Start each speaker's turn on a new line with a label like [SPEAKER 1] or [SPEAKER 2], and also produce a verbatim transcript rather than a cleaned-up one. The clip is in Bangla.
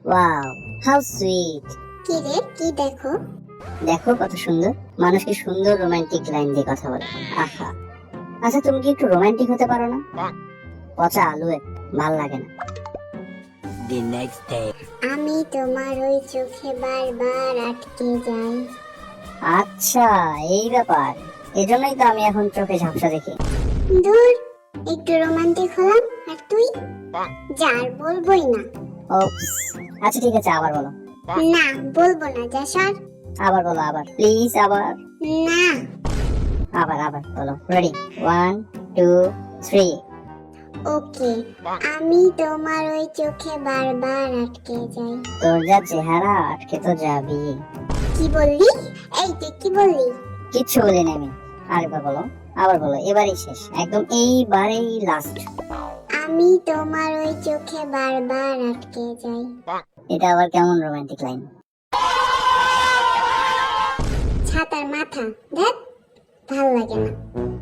[SPEAKER 1] Wow, how sweet.
[SPEAKER 2] কি রে, কি দেখো?
[SPEAKER 1] দেখো কত সুন্দর, মানুষ কি সুন্দর রোমান্টিক লাইন দিয়ে কথা বলে। আহা, আচ্ছা তুমি কি একটু রোমান্টিক হতে পারো না? পচা আলু, ভাল লাগে না।
[SPEAKER 3] The next day.
[SPEAKER 2] আমি তোমার ওই চোখে বারবার আটকে যাই।
[SPEAKER 1] আচ্ছা, এই ব্যাপার। এজন্যই তো আমি এখন চোখে ঝাপসা দেখি।
[SPEAKER 2] দূর, একটু রোমান্টিক হলাম আর তুই যার বলবোই না।
[SPEAKER 1] ওপস, আচ্ছা ঠিক আছে, আবার বলো।
[SPEAKER 2] না, বলবো না, যা সর।
[SPEAKER 1] আবার বলো, আবার প্লিজ, আবার
[SPEAKER 2] না।
[SPEAKER 1] আবার আবার বলো। Ready, one two three.
[SPEAKER 2] Okay, আমি তোমার ওই চোখে বারবার আটকে যাই।
[SPEAKER 1] তোর যা চেহারা, আটকে তো যাবি।
[SPEAKER 2] কি বললি? এই তুই কি বললি?
[SPEAKER 1] কিচ্ছু বলিনি আমি। আরেকবার বলো, আবার বলো, এবারই শেষ, একদম এইবারেই লাস্ট।
[SPEAKER 2] আমি তোমার ওই চোখে বারবার আটকে যাই।
[SPEAKER 1] এটা আবার কেমন রোমান্টিক লাইন?
[SPEAKER 2] ছাতার মাথা, দেখ, ভাল লাগে না।